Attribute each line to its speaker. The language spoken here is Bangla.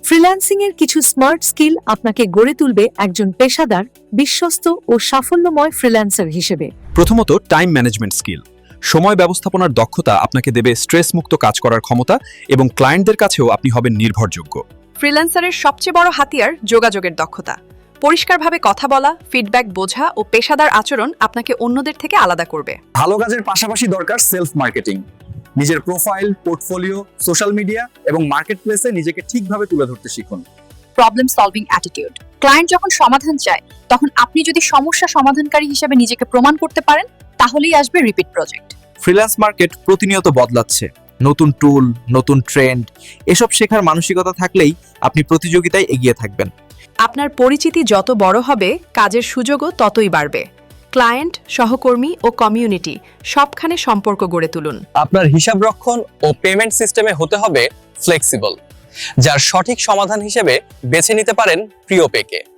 Speaker 1: ফ্রিল্যান্সিং এর কিছু স্মার্ট স্কিল আপনাকে গড়ে তুলবে একজন পেশাদার, বিশ্বস্ত ও সাফল্যময় ফ্রিল্যান্সার হিসেবে।
Speaker 2: প্রথমত, টাইম ম্যানেজমেন্ট স্কিল। সময় ব্যবস্থাপনার দক্ষতা আপনাকে দেবে স্ট্রেস মুক্ত কাজ করার ক্ষমতা এবং ক্লায়েন্টদের কাছেও আপনি হবেন নির্ভরযোগ্য।
Speaker 3: ফ্রিল্যান্সারের সবচেয়ে বড় হাতিয়ার যোগাযোগের দক্ষতা। পরিষ্কারভাবে কথা বলা, ফিডব্যাক বোঝা ও পেশাদার আচরণ আপনাকে অন্যদের থেকে আলাদা করবে।
Speaker 4: ভালো কাজের পাশাপাশি দরকার সেলফ মার্কেটিং। নিজের প্রোফাইল, পোর্টফোলিও, সোশ্যাল মিডিয়া এবং মার্কেট প্লেসে নিজেকে ঠিকভাবে তুলে ধরতে শিখুন।
Speaker 5: Problem solving attitude. ক্লায়েন্ট যখন সমাধান চায়, তখন আপনি যদি সমস্যা সমাধানকারী হিসেবে নিজেকে প্রমাণ করতে পারেন, তাহলেই আসবে রিপিট প্রজেক্ট।
Speaker 6: ফ্রিল্যান্স মার্কেট প্রতিনিয়ত বদলাচ্ছে। নতুন টুল, নতুন ট্রেন্ড, এসব শেখার মানসিকতা থাকলেই আপনি প্রতিযোগিতায় এগিয়ে থাকবেন।
Speaker 3: আপনার পরিচিতি যত বড় হবে, কাজের সুযোগও ততই বাড়বে। ক্লায়েন্ট, সহকর্মী ও কমিউনিটি সবখানে সম্পর্ক গড়ে তুলুন।
Speaker 7: আপনার হিসাব রক্ষণ ও পেমেন্ট সিস্টেমে হতে হবে ফ্লেক্সিবল, যার সঠিক সমাধান হিসেবে বেছে নিতে পারেন প্রিয়পেকে।